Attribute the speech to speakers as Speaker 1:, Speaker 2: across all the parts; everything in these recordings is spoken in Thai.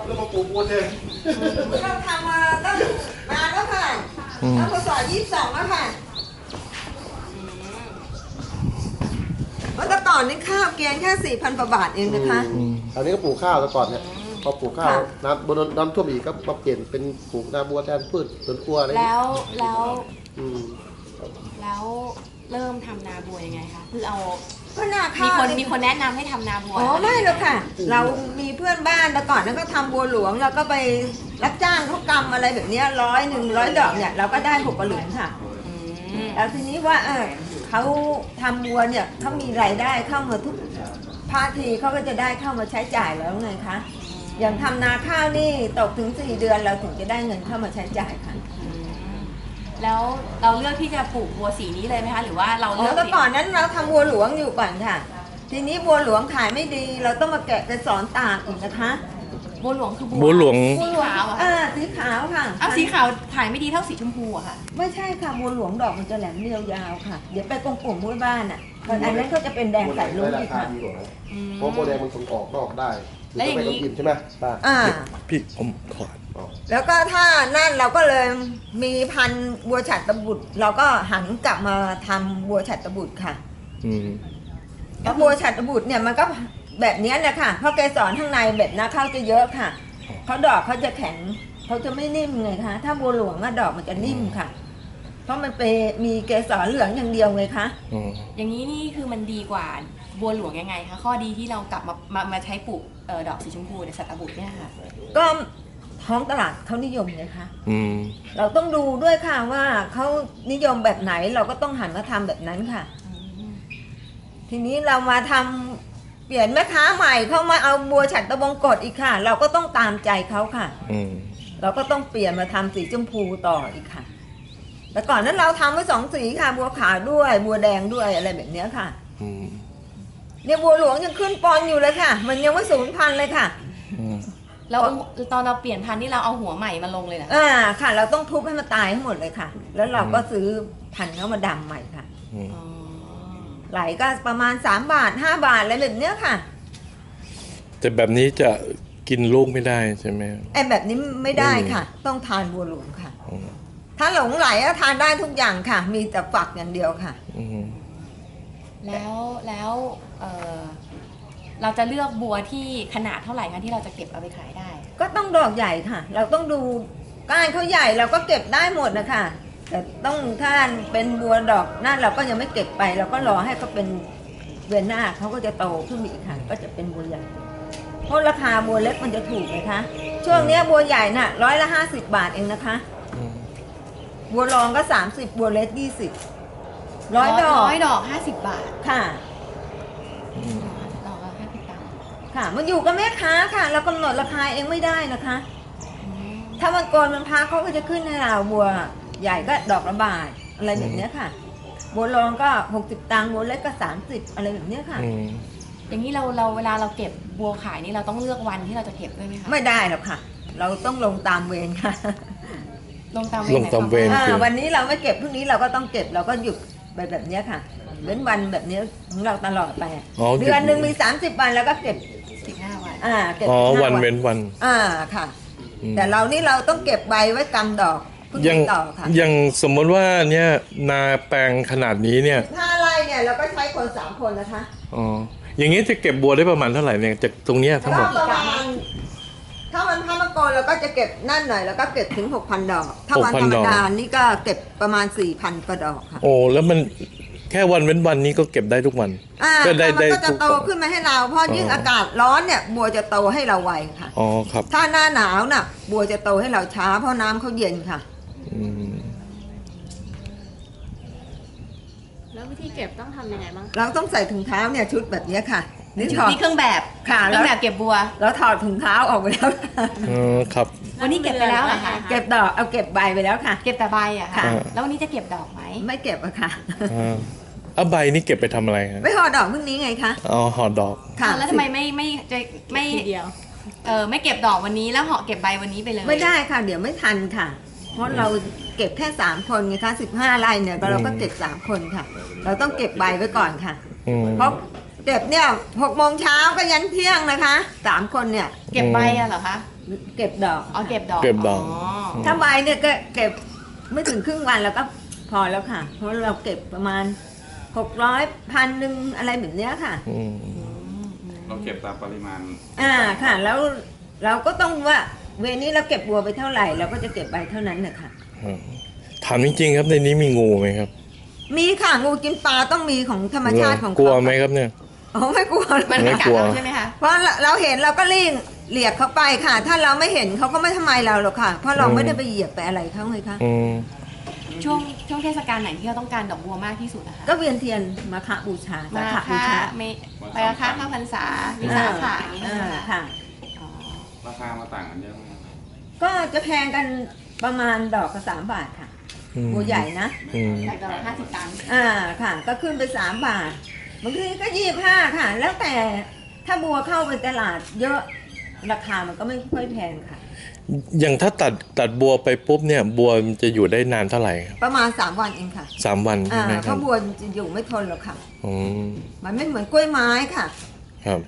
Speaker 1: แล้วมาปลูกบัวแทน
Speaker 2: เราทำมาตั้งนานแล้วค่ะตั้งพศ22แล้วค่ะเมื่อก่อนนี่ข้าวเกณฑ์แค่ 4,000 กว่าบาทเองนะคะ
Speaker 1: อันนี้ก็ปลูกข้าวแต่ก่อนเนี่ยพอปลูกข้าวน้ำท่วมอีกก็มาเปลี่ยนเป็นปลูกนาบัวแทนพืชสวนครัวอะไร
Speaker 3: แล้วเริ่มทำนาบัวยังไงคะคือเอา
Speaker 2: ก็นาข้าว
Speaker 3: มีคนแนะนำให้ทำนาบัว
Speaker 2: อ๋อไม่หรอกค่ะเรามีเพื่อนบ้านแต่ก่อนนั้นก็ทำบัวหลวงเราก็ไปรับจ้างเขากำอะไรแบบนี้100 ดอกเนี่ยเราก็ได้6 กระหลุมค่ะแล้วทีนี้ว่าเขาทำบัวเนี่ยเขามีรายได้เข้ามาทุกภาทีเขาก็จะได้เข้ามาใช้จ่ายแล้วไงคะอย่างทำนาข้าวนี่ตกถึง4 เดือนเราถึงจะได้เงินเข้ามาใช้จ่ายค่ะ
Speaker 3: แล้วเราเลือกที่จะปลูกบัวสีนี้เลยไหมคะหรือว่าเราเลือก
Speaker 2: แต่ก่อนนั้นเราทำบัวหลวงอยู่ก่อนค่ะทีนี้บัวหลวงขายไม่ดีเราต้องมาแกะไปสอนตากอีกนะคะ
Speaker 3: บัวหลวงคือ
Speaker 4: บัวหลวง
Speaker 3: ขาว
Speaker 2: สีขาวค่ะ
Speaker 3: สีขาวขายไม่ดีเท่าสีชมพูอะค่ะ
Speaker 2: ไม่ใช่ค่ะบัวหลวงดอกมันจะแหลมเรียวยาวค่ะเดี๋ยวไปกงปุ่มบ้านบ้านอันนั้นก็จะเป็นแดงใสลุ้งอีกค่ะ
Speaker 1: เพราะบัวแดงมันส่งออกนอกได้แล้วอย่างนี้ใช่ไหมป้า
Speaker 4: พี่ผมขอ
Speaker 2: แล้วก็ถ้านั่นเราก็เลยมีพันธุ์บัวฉัตรบุตรเราก็หันกลับมาทำบัวฉัตรบุตรค่ะแล้วบัวฉัตรบุตรเนี่ยมันก็แบบนี้แหละค่ะเพราะเกสรข้างในแบบนาข้าวจะเยอะค่ะเขาดอกเขาจะแข็งเขาจะไม่นิ่มไงคะถ้าบัวหลวงดอกมันจะนิ่มค่ะเพราะมันมีเกสรเหลืองอย่างเดียวไงคะ
Speaker 3: อย่างนี้นี่คือมันดีกว่าบัวหลวงยังไงคะข้อดีที่เรากลับมาใช้ปลูกดอกสีชมพูในฉัตรบุตรเนี่ยค่ะ
Speaker 2: ก็ท้องตลาดเขานิยมไงคะเราต้องดูด้วยค่ะว่าเขานิยมแบบไหนเราก็ต้องหันมาทำแบบนั้นค่ะทีนี้เรามาทำเปลี่ยนแม่ค้าใหม่เข้ามาเอาบัวฉัตรบงกฎอีกค่ะเราก็ต้องตามใจเขาค่ะเราก็ต้องเปลี่ยนมาทำสีชมพูต่ออีกค่ะแต่ก่อนนั้นเราทำไว้2 สีค่ะบัวขาวด้วยบัวแดงด้วยอะไรแบบนี้ค่ะเนี่ยบัวหลวงยังขึ้นปอนอยู่เลยค่ะมันยังไม่สูญพันธุ์เลยค่ะ
Speaker 3: แล้วตอนเราเปลี่ยนพันธุ์นี่เราเอาหัวใหม่มาลงเลยนะ
Speaker 2: ค่ะเราต้องทุบให้มันตายให้หมดเลยค่ะแล้วเราก็ซื้อพันธุ์เข้ามาดำใหม่ค่ะไหลก็ประมาณ3 บาท 5 บาทอะไรแบบเนี้ยค่ะ
Speaker 4: แต่แบบนี้จะกินลูกไม่ได้ใช่ไหม
Speaker 2: แบบนี้ไม่ได้ค่ะต้องทานบัวหลวงค่ะถ้าหลงไหลก็ทานได้ทุกอย่างค่ะมีแต่ฝักอย่างเดียวค่ะ
Speaker 3: แล้วเราจะเลือกบัวที่ขนาดเท่าไหร่คะที่เราจะเก็บเอาไปขายได้
Speaker 2: ก็ต้องดอกใหญ่ค่ะเราต้องดูก้านเขาใหญ่เราก็เก็บได้หมดนะคะแต่ต้องถ้าเป็นบัวดอกนั่นเราก็ยังไม่เก็บไปเราก็รอให้เขาเป็นเดือนหน้าเขาก็จะโตขึ้นอีกค่ะก็จะเป็นบัวใหญ่เพราะราคาบัวเล็กมันจะถูกนะคะช่วงนี้บัวใหญ่น่ะ150 บาทเองนะคะบัวรองก็30บัวเล็ก20 100
Speaker 3: ดอก50 บาท
Speaker 2: ค่ะค่ะมันอยู่กับแม่ค้าค่ะเรากำหนดราคาเองไม่ได้นะคะถ้ามันโกนมันพาเขาก็จะขึ้นให้เราบัวใหญ่ก็ดอกละบาทอะไรแบบนี้ค่ะบัวรองก็60 ตังค์บัวเล็กก็30อะไรแบบนี้ค่ะ
Speaker 3: อย่างนี้เราเวลาเราเก็บบัวขายนี่เราต้องเลือกวันที่เราจะเก็บด้วยไหมคะ
Speaker 2: ไม่ได้หรอกค่ะเราต้องลงตามเวรค่ะ
Speaker 3: ลงตาม
Speaker 4: เวร
Speaker 2: วันนี้เราไม่เก็บพรุ่งนี้เราก็ต้องเก็บเราก็หยุดไปแบบนี้ค่ะเว้นวันแบบนี้ของเราตลอดไปเดือนหนึ่งมี30 วันแล้วก็เก็บ
Speaker 3: 15 วัน
Speaker 2: เก็บ
Speaker 4: วันเว้นวัน
Speaker 2: ค่ะแต่เรานี่เราต้องเก็บใบไว้กำดอก
Speaker 4: ยังสมมติว่าเนี่ยนาแปลงขนาดนี้เนี่ย
Speaker 2: 5 ไร่เนี่ยเราก็ใช้คน3 คนนะคะ
Speaker 4: อย่างนี้จะเก็บบัวได้ประมาณเท่าไหร่เนี่ยจากตรงเนี้ยทั้งหมด
Speaker 2: ประมาณถ้ามันพามะกรเราก็จะเก็บนั่นหน่อยแล้วก็เก็บถึง 6,000 ดอกถ้าวันธรรมดานี่ก็เก็บประมาณ 4,000 กว่าดอกค่ะ
Speaker 4: แล้วมันแค่วันเว้นวันนี้ก็เก็บได้ทุกวัน
Speaker 2: ก็ได้มันก็จะโตขึ้นมาให้เราเพราะยิ่งอากาศร้อนเนี่ยบัวจะโตให้เราไวค่ะ
Speaker 4: ครับ
Speaker 2: ถ้าหน้าหนาวน่ะบัวจะโตให้เราช้าเพราะน้ำเขาเย็นค่ะ
Speaker 3: แล้ววิธีเก็บต้องทำยังไงบ้าง
Speaker 2: เราต้องใส่ถุงเท้าเนี่ยชุดแบบนี้ค่ะ
Speaker 3: นี่เครื่องแบบ
Speaker 2: ค่ะ
Speaker 3: เครื่องแบบเก็บบัว
Speaker 2: แล้วถอดถุงเท้าออกไปแล้ว
Speaker 4: ครับ
Speaker 3: วันนี้เก็บไปแล้วเหรอคะ
Speaker 2: เก็บดอกเอาเก็บใบไปแล้วค่ะ
Speaker 3: เก็บแต่ใบอะค่ะแล้ววันนี้จะเก็บดอกไหม
Speaker 2: ไม่เก็บอะค่ะ
Speaker 4: ใบนี่เก็บไปทำอะไรครับ
Speaker 2: ไม่ห่อดอกพรุ่งนี้ไงคะ
Speaker 4: ห่อดอก
Speaker 3: ค่ะแล้วทำไมไม่เดียวไม่เก็บดอกวันนี้แล้วห่อเก็บใบวันนี้ไปเลย
Speaker 2: ไม่ได้ค่ะเดี๋ยวไม่ทันค่ะเพราะเราเก็บแค่3 คนไงคะ15 ไร่เนี่ยเราก็เก็บ3 คนค่ะเราต้องเก็บใบไว้ก่อนค่ะเพราะเก็บเนี่ย6 โมงเช้าก็ยันเที่ยงนะคะ3 คนเนี่ย
Speaker 3: เก็บใบอะเหรอคะ
Speaker 2: เก็บดอก
Speaker 3: อ๋อเก็บดอก
Speaker 4: เก็บดอก
Speaker 2: ถ้าใบเนี่ยก็เก็บไม่ถึงครึ่งวันแล้วก็พอแล้วค่ะ เพราะเราเก็บประมาณ600 1,000อะไรแบบเนี้ยค่ะ
Speaker 4: อืม
Speaker 5: เราเก็บตามปริมาณ
Speaker 2: ค่ะ แล้วเราก็ต้องว่าเวรนี้เราเก็บบัวไปเท่าไหร่เราก็จะเก็บใบเท่านั้นนะคะ
Speaker 4: ถามจริงๆครับในนี้มีงูไหมครับ
Speaker 2: มีค่ะงูกินปลาต้องมีของธรรมชาติของ
Speaker 4: กลัว
Speaker 2: เขา
Speaker 4: ไหมครับเนี่ย
Speaker 2: อ๋อไม่กลัว
Speaker 3: มัน
Speaker 4: ไม่
Speaker 3: ไม่กั
Speaker 4: ก
Speaker 3: ด
Speaker 4: ลัว
Speaker 3: เราใช่ไหมคะ
Speaker 2: เพราะเราเห็นเราก็รีบเหลียกเขาไปค่ะ ถ้าเราไม่เห็นเขาก็ไม่ทำไมเราหรอกค่ะ เพราะเราไม่ได้ไปเหยียบไปอะไรเขาไงคะ
Speaker 4: อืม
Speaker 3: ช่วงเทศกาลไหนที่เราต้องการดอกบัวมากที่สุดนะคะ
Speaker 2: ก็เวียนเทียนมาฆบูชา
Speaker 3: มา
Speaker 2: ฆบู
Speaker 3: ค่ะ
Speaker 2: ชา
Speaker 3: ไปราคาข้าวพรรษาวิสาขะอย่างนี้ใช่ไหมคะ
Speaker 2: ค่ะ
Speaker 3: อ๋อ
Speaker 5: ราคามาต่างกันเยอะไหมครับ
Speaker 2: ก็จะแพงกันประมาณดอกละ3 บาทค่ะ
Speaker 4: อืม
Speaker 2: บัวใหญ่นะ
Speaker 4: อืม
Speaker 3: จากดอกละ50 ตังค์
Speaker 2: ค่ะ ก็ขึ้นไป3 บาทบางทีก็25ค่ะ แล้วแต่ถ้าบัวเข้าไปตลาดเยอะราคามันก็ไม่ค่อยแพงค่ะ
Speaker 4: อย่างถ้าตัดบัวไปปุ๊บเนี่ย บัวมันจะอยู่ได้นานเท่าไหร่ครับ
Speaker 2: ประมาณ3 วันเองค่ะ
Speaker 4: 3 วันใช่ไหม
Speaker 2: เพ
Speaker 4: ครับ
Speaker 2: ราะบัวจะอยู่ไม่ทนหรอกค่ะ
Speaker 4: อืม
Speaker 2: มันไม่เหมือนกล้วยไม้ค่ะ
Speaker 4: ครับ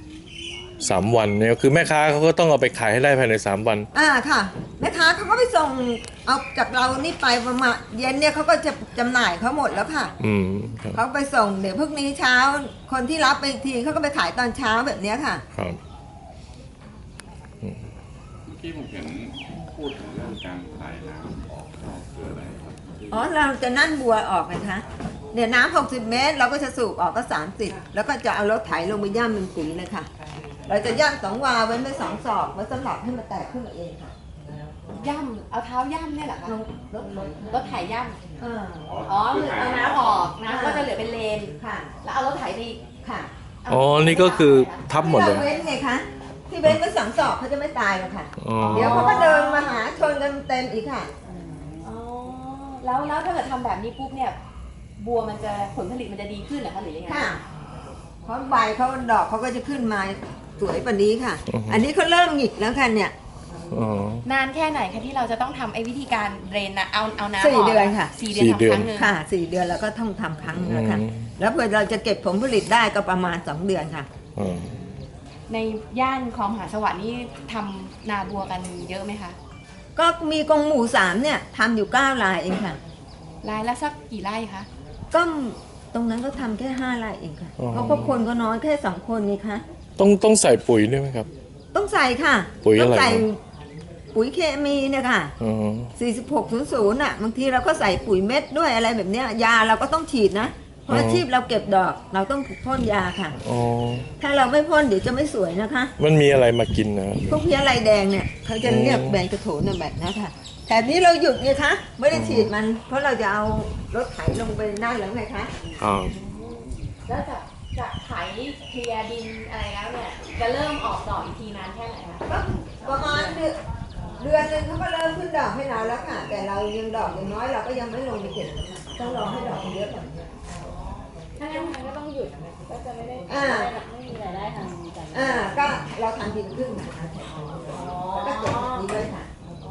Speaker 4: 3 วันเนี่ยคือแม่ค้าเขาก็ต้องเอาไปขายให้ได้ภายใน3 วัน
Speaker 2: ค่ะแม่ค้าเขาก็ไปส่งเอาจากเรานี่ไปประมาณเย็นเนี่ยเขาก็จะจำหน่ายเขาหมดแล้วค่ะ
Speaker 4: อืมครับ
Speaker 2: เขาไปส่งเดี๋ยวพรุ่งนี้เช้า คนที่รับไปอีกทีเขาก็ไปขายตอนเช้าแบบเนี้ยค่ะ
Speaker 4: ครับ
Speaker 5: เมื่อกี้ผมเห็นพูดถึงเรื่องการถ่ายน้ำออกนอกคืออะไรครับ
Speaker 2: อ๋อเราจะนั่นบัวออกนะคะเนี่ยน้ำ60 เมตร เราก็จะสูบออกก็30แล้วก็จะเอารถไถลงไปย่ำเป็นปุ๋ยเลยค่ะ เราจะย่ำ2 วาเว้นไป2 ศอกไว้สำหรับให้มันแตกขึ้นมาเองค่ะ
Speaker 3: ย่ำเอาเท้าย่ำเนี่ยเหรอคะ รถไถย่ำ
Speaker 2: อ่า
Speaker 3: อ๋อคือเอาน้ำออกน้ำก็จะเหลือเป็นเลน
Speaker 2: ค่ะ
Speaker 3: แล้วเอารถไถไป
Speaker 2: ค่ะ
Speaker 4: อ๋อนี่ก็คือทับหมดเลย
Speaker 2: ที่ราเว้นไงคะที่เว้นไป2 ศอกเขาจะไม่ตายหรอกค่ะ
Speaker 4: อ๋อ
Speaker 2: เดี๋ยวเขาก็เดินมาหาชนกันเต็มอีกค่ะ
Speaker 3: อ๋อแล้วถ้าเกิดทำแบบนี้ปุ๊บเนี่ย บัวมันจะผลผลิตมันจะดีขึ้นเหรอคะหรือยังไง
Speaker 2: ค่ะ เพราะใบเขาดอกเขาก็จะขึ้นมาสวยกว่านี้ค่ะ
Speaker 4: อือฮึ
Speaker 2: อันนี้เขาเริ่มหงิกแล้วค่ะเนี่ย
Speaker 4: อ๋อน
Speaker 3: านแค่ไหนคะที่เราจะต้องทำไอ้วิธีการเดรนนะเอาน้ำออก
Speaker 2: 4 เดือนค่ะ
Speaker 3: 4 เดือนทำครั้งหนึ่ง
Speaker 2: ค่ะ 4 เดือนแล้วก็ต้องทำครั้งนึง
Speaker 4: อื
Speaker 2: แล้วค่ะ
Speaker 4: ม
Speaker 2: แล้วเพื่อเราจะเก็บผลผลิตได้ก็ประมาณ 2 เดือนค่ะ
Speaker 4: อ๋อ
Speaker 3: ในย่านคลองมหาสวัสดิ์นี่ทำนาบัวกันเยอะไหมคะ
Speaker 2: ก็มีกรงหมู3เนี่ยทำอยู่9 รายเองค่ะ
Speaker 3: รายละสักกี่ไร่คะ
Speaker 2: ก็ตรงนั้นก็ทำแค่5 รายเองค่ะ เพราะก็คนก็น้อยแค่2 คนไงคะ
Speaker 4: ต้องใส่ปุ๋ยด้วยไหมครับ
Speaker 2: ต้องใส่ค่ะ
Speaker 4: ปุ๋ยอะไร
Speaker 2: ต้องใส่
Speaker 4: ครับ
Speaker 2: ปุ๋ยเคมีเนี่ยค่ะ
Speaker 4: อ๋อ
Speaker 2: 4600น่ะบางทีเราก็ใส่ปุ๋ยเม็ดด้วยอะไรแบบเนี้ยยาเราก็ต้องฉีดนะ เพราะอาชีพเราเก็บดอกเราต้องพ่นยาค่ะ
Speaker 4: อ๋อ
Speaker 2: ถ้าเราไม่พ่นเดี๋ยวจะไม่สวยนะคะ
Speaker 4: มันมีอะไรมากินนะ
Speaker 2: พวกเพี้ยลายแดงเนี่ยเขาจะเรียกแบนกระโถนน่ะแบบนั้นค่ะ แต่นี้เราหยุดไงคะไม่ได้ฉีดมัน เพราะเราจะเอารถไถลงไปนั่นแล้วไงคะ
Speaker 4: อ๋อ
Speaker 3: แล้วจากไถเคลียร์ดินอะไรแล้วเนี่ย จะเริ่มออกดอกอีกทีนานแค่ไหนคะ
Speaker 2: ก็ประมาณเดือนนึงเขาก็เริ่มขึ้นดอกให้เราแล้วค่ะ แต่เรายังดอกยังน้อยเราก็ยังไม่ลงไปเก็บต้องรอให้ดอกมันเยอะก่อน
Speaker 3: ถ้างั้นมันก็ต้องหยุดก็จะไม่ได้
Speaker 2: ไม่มีรายได้ทางก็เราทำทีละครึ่งนะคะแล้วก็เก็บนี้ด้วยค่ะ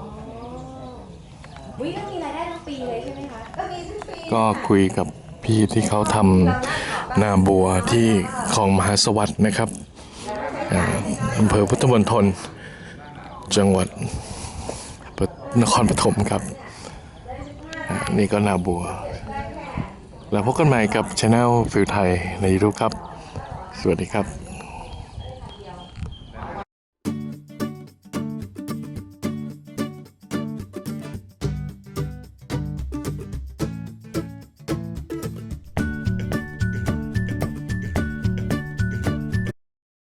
Speaker 3: วิก็มีรายได้ทั้งปีเลยใช่ไหมคะ
Speaker 2: ก็มีทุกปี
Speaker 4: ก็คุยกับพี่ที่เขาทำนาบัวที่คลองมหาสวัสดิ์นะครับอำเภอพุทธมณฑลจังหวัดนครปฐมครับนี่ก็นาบัว แล้วพบกันใหม่กับช anel ฟิลไทยใน YouTube ครับ สวัสดีครับ